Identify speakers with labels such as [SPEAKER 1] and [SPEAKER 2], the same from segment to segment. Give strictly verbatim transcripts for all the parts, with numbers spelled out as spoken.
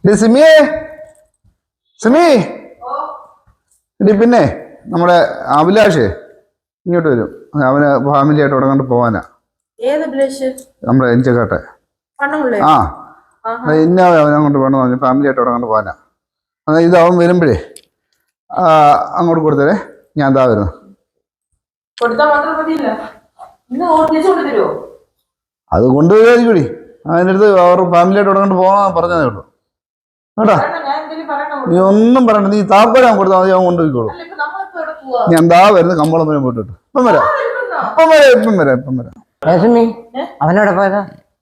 [SPEAKER 1] സിമിയെ സിമി ഇടി പിന്നെ നമ്മുടെ അഭിലാഷ് ഇങ്ങോട്ട് വരും. അവന് ഫാമിലി ആയിട്ട് ഉടങ്ങാണ്ട് പോവാനാ. നമ്മുടെ എഞ്ചക്കാട്ടെ ആ ഇന്ന അവനങ്ങോട്ട് വേണം പറഞ്ഞു. ഫാമിലി ആയിട്ട് ഉടങ്ങാണ്ട് പോവാനാ. ഇത് അവൻ വരുമ്പോഴേ അങ്ങോട്ട് കൊടുത്തേ. ഞാൻ എന്താ വരുന്നു. അത് കൊണ്ടുപോയി അതിൻ്റെ അടുത്ത് അവർ ഫാമിലി ആയിട്ട് ഉടങ്ങാണ്ട് പോകാൻ പറഞ്ഞതേ ഉള്ളൂ കേട്ടോ. നീ ഒന്നും പറയണ്ട. നീ താക്കോല് അവൻ കൊടുത്താൽ മതി. അവൻ കൊണ്ടുപോയിക്കോളൂ. ഞാൻ എന്താ വരുന്നത്. കമ്പോളം വരെ പോയിട്ട് ഇപ്പം വരാം ഇപ്പം വരാം ഇപ്പം വരാം ഇപ്പം വരാം.
[SPEAKER 2] അവനോട് പോയതാ.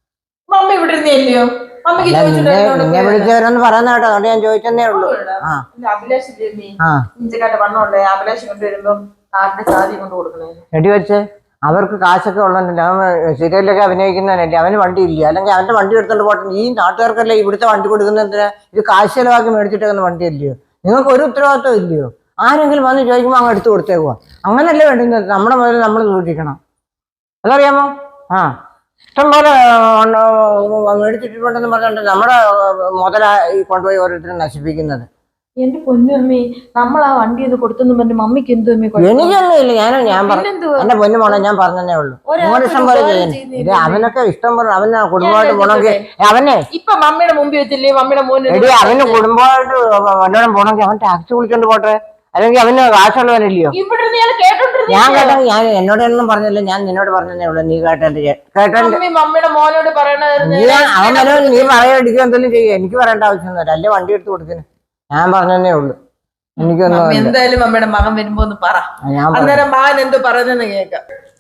[SPEAKER 2] നിന്നെ വിളിച്ചവരൊന്ന് പറയുന്ന കേട്ടോ. അതുകൊണ്ട് ഞാൻ ചോദിച്ചതേ ഉള്ളൂ. എടി വെച്ച് അവർക്ക് കാശൊക്കെ ഉള്ളതല്ലേ. അവൻ സീരിയലൊക്കെ അഭിനയിക്കുന്നതല്ലേ. അവന് വണ്ടി ഇല്ല. അല്ലെങ്കിൽ അവന്റെ വണ്ടി എടുത്തോണ്ട് പോട്ടെ. ഈ നാട്ടുകാർക്കല്ലേ ഇവിടുത്തെ വണ്ടി കൊടുക്കുന്നതിന്. ഇത് കാശ് ചെലവാക്കി മേടിച്ചിട്ടേക്കുന്ന വണ്ടി അല്ലയോ. നിങ്ങൾക്ക് ഒരു ഉത്തരവാദിത്വം ഇല്ലയോ? ആരെങ്കിലും വന്ന് ചോദിക്കുമ്പോൾ അങ്ങ് എടുത്തു കൊടുത്തേക്കുവാ. അങ്ങനല്ലേ വേണ്ടുന്നത്. നമ്മുടെ മുതൽ നമ്മൾ സൂക്ഷിക്കണം. അതറിയാമോ? ആ ഇഷ്ടം പോലെ മേടിച്ചിട്ടുണ്ടെന്ന് പറഞ്ഞിട്ട് നമ്മുടെ മുതല കൊണ്ടുപോയി ഓരോരുത്തരും നശിപ്പിക്കുന്നത്.
[SPEAKER 3] എന്റെ പൊന്നമ്മേ, നമ്മൾ ആ വണ്ടി ഒന്ന് കൊടുത്തെന്ന് പറഞ്ഞു മമ്മിക്ക് എന്തോ
[SPEAKER 2] എനിക്കൊന്നും ഇല്ല. ഞാൻ ഞാൻ പറഞ്ഞു എന്റെ പൊന്നു മോളെ ഞാൻ പറഞ്ഞതേ ഉള്ളൂ. നിങ്ങളുടെ ഇഷ്ടം പോലെ ചെയ്യുന്നത്. അവനൊക്കെ ഇഷ്ടം പോലെ അവന് കുടുംബമായിട്ട് പോണെങ്കിൽ അവനെ ഇപ്പൊ
[SPEAKER 3] മമ്മിയുടെ മുമ്പിൽ വെച്ചില്ലേ മമ്മിയുടെ മോൻ
[SPEAKER 2] എടി അവന് കുടുംബമായിട്ട് വല്ലതും പോണെങ്കിൽ അവൻ ടാക്സി വിളിച്ചോണ്ട് പോട്ടെ. അല്ലെങ്കിൽ അവന് കാശുള്ളവനല്ലയോ. ഞാൻ കേട്ടോ. ഞാൻ എന്നോടൊന്നും പറഞ്ഞില്ല. ഞാൻ നിന്നോട് പറഞ്ഞതേ ഉള്ളൂ. നീ കേട്ടെ കേട്ടോ. അവൻ വരോ നീ പറയാടിക്കുക എന്തെങ്കിലും ചെയ്യുക. എനിക്ക് പറയേണ്ട ആവശ്യമൊന്നുമില്ല. അല്ലേ വണ്ടി എടുത്ത് കൊടുത്തിന്. ഞാൻ പറഞ്ഞതേ ഉള്ളൂ. എനിക്കൊന്നും
[SPEAKER 3] എന്തായാലും അമ്മയുടെ മകൻ വരുമ്പോ ഒന്ന് പറ. അന്നേരം മകൻ എന്തോ പറയുന്നെന്ന് കേൾക്കാം.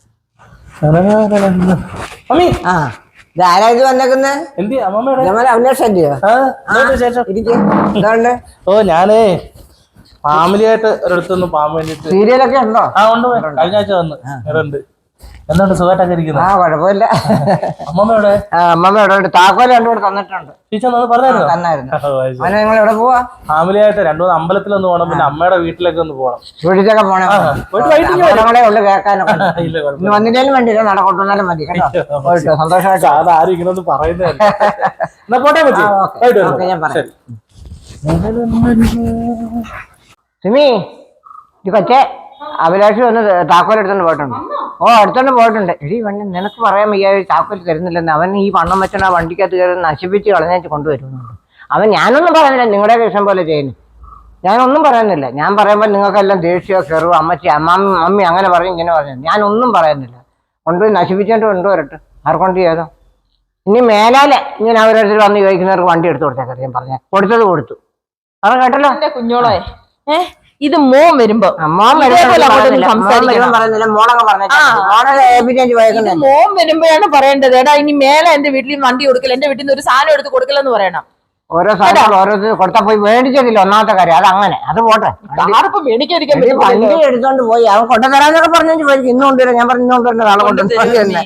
[SPEAKER 2] ആ ഇതാരാ ഇത് വന്നേക്കുന്നത്? അഭിലാഷല്ലയോ? എന്തുകൊണ്ട്?
[SPEAKER 4] ഓ ഞാനേ ഫാമിലി ആയിട്ട് ഒരിടത്തൊന്ന് പോകാൻ വേണ്ടിട്ട്.
[SPEAKER 2] സീരിയലൊക്കെ ഉണ്ടോ?
[SPEAKER 4] ആ ഉണ്ട്. കഴിഞ്ഞ ആഴ്ച വന്ന് ഉണ്ട്. എന്തുണ്ട് സുഖമായിട്ടൊക്കെ ഇരിക്കുന്നു?
[SPEAKER 2] ആ കുഴപ്പമില്ല.
[SPEAKER 4] അമ്മമ്മയുടെ
[SPEAKER 2] അമ്മമ്മയുടെ താക്കോല് രണ്ടുകൂടെ തന്നിട്ടുണ്ട്. നിങ്ങൾ എവിടെ പോവാ?
[SPEAKER 4] ഫാമിലി ആയിട്ട് രണ്ടു മൂന്ന് അമ്പലത്തിലൊന്ന് പോകണം. പിന്നെ അമ്മയുടെ വീട്ടിലേക്ക് ഒന്ന് പോകണം.
[SPEAKER 2] വീട്ടിലൊക്കെ പോണേ ഉള്ളു കേൾക്കാനൊക്കെ. വന്നിട്ടാലും വേണ്ടില്ല. നടക്കൊട്ടുന്നാലും മതി കേട്ടോ. സന്തോഷമായിട്ട്.
[SPEAKER 4] അത് ആരും ഇങ്ങനൊന്നും പറയുന്നതല്ല. എന്നാ പോട്ടെ പറ്റി.
[SPEAKER 2] ഞാൻ പറയാം. സിമി ഈ കൊച്ചെ അഭിലാഷ് വന്ന് താക്കോൽ എടുത്തോണ്ട് പോയിട്ടുണ്ട്. ഓ എടുത്തോണ്ട് പോയിട്ടുണ്ട്. എടി വണ്ടി നിനക്ക് പറയാൻ വയ്യ താക്കോൽ തരുന്നില്ലെന്ന്. അവൻ ഈ പണം വെച്ചാൽ ആ വണ്ടിക്കകത്ത് കയറി നശിപ്പിച്ച് കളഞ്ഞേച്ച് കൊണ്ടുവരുന്നുണ്ട്. അവൻ ഞാനൊന്നും പറയുന്നില്ല. നിങ്ങളുടെ ഇഷ്ടം പോലെ ചെയ്യുന്നു. ഞാനൊന്നും പറയുന്നില്ല. ഞാൻ പറയുമ്പോൾ നിങ്ങൾക്കെല്ലാം ദേഷ്യമോ കയറുമോ അമ്മച്ചി അമ്മാമ്മ മമ്മി അങ്ങനെ പറയും ഇങ്ങനെ പറഞ്ഞു. ഞാനൊന്നും പറയുന്നില്ല. കൊണ്ടുപോയി നശിപ്പിച്ചോണ്ട് കൊണ്ടുവരട്ടെ. ആർക്കൊണ്ട് ചെയ്തോ. ഇനി മേലാലെ ഇങ്ങനെ അവരോരുത്തർ വന്ന് ചോദിക്കുന്നവർക്ക് വണ്ടി എടുത്തു കൊടുത്തേക്കറി. ഞാൻ പറഞ്ഞ കൊടുത്തത് കൊടുത്തു. അത് കേട്ടല്ലോ
[SPEAKER 3] കുഞ്ഞോളെ. ഏഹ് ഇത് മോൻ വരുമ്പോ
[SPEAKER 2] മോൻ പറയുന്നില്ല. മോളൊക്കെ പറഞ്ഞു
[SPEAKER 3] മോൻ വരുമ്പോഴാണ് പറയേണ്ടത്. എടാ ഇനി മേലെ എന്റെ വീട്ടിൽ വണ്ടി കൊടുക്കില്ല. എന്റെ വീട്ടിൽ നിന്ന് ഒരു സാധനം എടുത്ത് കൊടുക്കില്ലെന്ന് പറയണം.
[SPEAKER 2] ഓരോ സാധനങ്ങൾ ഓരോരുത്തർ കൊടുത്താൽ പോയി മേടിച്ചതില്ല. ഒന്നാമത്തെ കാര്യം അത് അങ്ങനെ. അത് പോട്ടെ. വണ്ടി എടുത്തോണ്ട് പോയി അവൻ കൊണ്ടുതരാന്നൊക്കെ പറഞ്ഞു പോയി. ഇന്ന് കൊണ്ടുവരാം. ഞാൻ പറഞ്ഞു ഇന്ന് കൊണ്ടുവരുന്ന നാളെ കൊണ്ടുവരുന്നത്.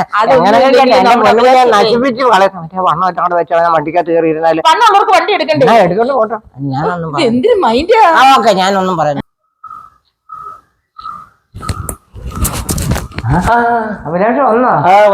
[SPEAKER 2] നശിപ്പിച്ച് കളയാം. മറ്റേ വണ്ണം വെച്ചോണ്ട് വെച്ചാൽ വണ്ടിക്കകത്ത് കയറി ഇരുന്നാലും
[SPEAKER 3] വണ്ടി എടുക്കണ്ടേ.
[SPEAKER 2] എടുത്തോണ്ട് പോട്ടോ. ഞാനൊന്നും
[SPEAKER 3] ആ
[SPEAKER 2] ഓക്കെ ഞാനൊന്നും പറയുന്നു. അഭിലാഷ് വന്നോ?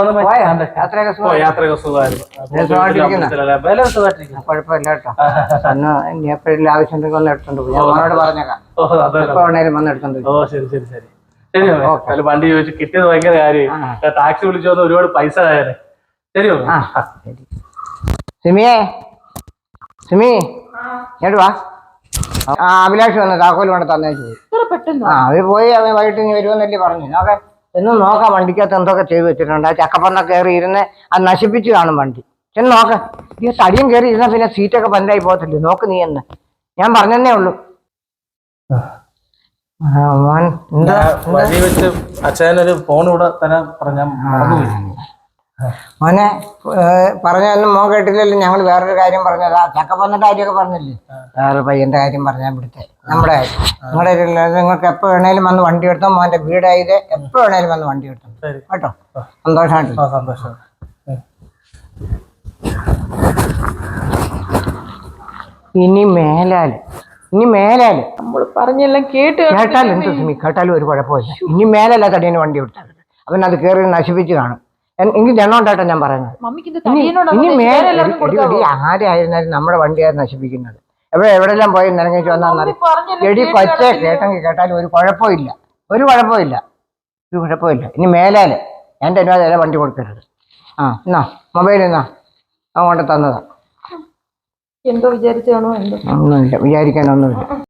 [SPEAKER 2] കുഴപ്പമില്ല കേട്ടോ. അന്ന് ഇനി എപ്പോഴും ആവശ്യം ഉണ്ടെങ്കിൽ ഒന്ന് എടുത്തോണ്ട് പോയി. അവനോട് പറഞ്ഞേക്കാം. എപ്പോ വേണേലും വന്ന് എടുത്തോണ്ട് പോയി.
[SPEAKER 4] ഓ ശരി ശരി ശരി ശരി. വണ്ടി ചോദിച്ചു കിട്ടിയത് ഭയങ്കര കാര്യമായി. ടാക്സി വിളിച്ചു വന്ന് ഒരുപാട് പൈസ ആയാലേ. ശരി
[SPEAKER 2] സിമിയെ സിമി കേട്ടു വാ. ആ അഭിലാഷ് വന്ന് താക്കോല് കൊണ്ട് തന്നേച്ചു പോയി. ആ അവര് പോയി അവൻ വൈകിട്ട് ഇനി വരുമെന്നല്ലേ പറഞ്ഞു. നോക്കെ എന്നും നോക്കാം വണ്ടിക്കകത്ത് എന്തൊക്കെ ചെയ്തു വെച്ചിട്ടുണ്ട്. ആ ചക്കപ്പറന്നൊക്കെ കയറി ഇരുന്ന് അത് നശിപ്പിച്ച് കാണും വണ്ടി. ചെന്ന് നോക്ക്. ഈ തടിയും കയറി ഇരുന്നാൽ പിന്നെ സീറ്റൊക്കെ ബന്ധായി പോകത്തില്ലേ. നോക്ക് നീ എന്ന് ഞാൻ പറഞ്ഞതേ ഉള്ളൂ.
[SPEAKER 4] അച്ഛനൊരു ഫോൺ ഇവിടെ തരാൻ പറഞ്ഞ
[SPEAKER 2] മോനെ പറഞ്ഞൊന്നും മോൻ കേട്ടില്ലല്ലോ. ഞങ്ങൾ വേറൊരു കാര്യം പറഞ്ഞതാ. ചക്കപ്പന്നിന്റെ കാര്യമൊക്കെ പറഞ്ഞില്ലേ. വേറെ പയ്യന്റെ കാര്യം പറഞ്ഞാൽ ഇവിടുത്തെ നമ്മുടെ കാര്യം. നിങ്ങളുടെ നിങ്ങൾക്ക് എപ്പോ വേണേലും വന്ന് വണ്ടി എടുത്തോ. മോന്റെ വീടായത് എപ്പോ വേണേലും വന്ന് വണ്ടി എടുത്തോ കേട്ടോ. സന്തോഷമായിട്ട്.
[SPEAKER 4] സന്തോഷം.
[SPEAKER 2] ഇനി മേലാല് ഇനി മേലാല്
[SPEAKER 3] നമ്മൾ പറഞ്ഞെല്ലാം കേട്ട്
[SPEAKER 2] കേട്ടാലും എന്ത് സിമി കേട്ടാലും ഒരു കുഴപ്പമില്ല. ഇനി മേലല്ല തടീന് വണ്ടി എടുത്താൽ അവൻ അത് കയറി നശിപ്പിച്ച് കാണും. എൻ- എനിക്ക് ജനം ഉണ്ടായിട്ടാ ഞാൻ പറയുന്നത്.
[SPEAKER 3] മമ്മിക്ക് ഇത്
[SPEAKER 2] ഇനി
[SPEAKER 3] തടിയനോടാ
[SPEAKER 2] ഇനി
[SPEAKER 3] ഉദ്ദേശിച്ചത്.
[SPEAKER 2] മേലെ
[SPEAKER 3] വേറെ എല്ലാവർക്കും കൊടുക്കാവോ?
[SPEAKER 2] ആരായിരുന്നാലും നമ്മുടെ വണ്ടിയാണ് നശിപ്പിക്കുന്നത്. എവിടെ എവിടെല്ലാം പോയി നിറങ്ങിച്ച് വന്നാൽ
[SPEAKER 3] മമ്മി പറഞ്ഞല്ലോ,
[SPEAKER 2] എടി
[SPEAKER 3] കേട്ട്
[SPEAKER 2] കൊച്ചെ
[SPEAKER 3] നടക്കില്ല.
[SPEAKER 2] കേട്ടെങ്കിൽ കേട്ടാലും ഒരു കുഴപ്പമില്ല, ഒരു കുഴപ്പമില്ല, ഒരു കുഴപ്പമില്ല. ഇനി മേലാല് എൻ്റെ അനുവാദം വണ്ടി കൊടുക്കരുത്. ആ എന്നാ മൊബൈൽ എന്നാ അങ്ങോട്ട് തന്നതാ.
[SPEAKER 3] എന്തോ വിചാരിച്ചാണോ എന്തോ
[SPEAKER 2] ഒന്നുമില്ല, വിചാരിക്കാനൊന്നുമില്ല.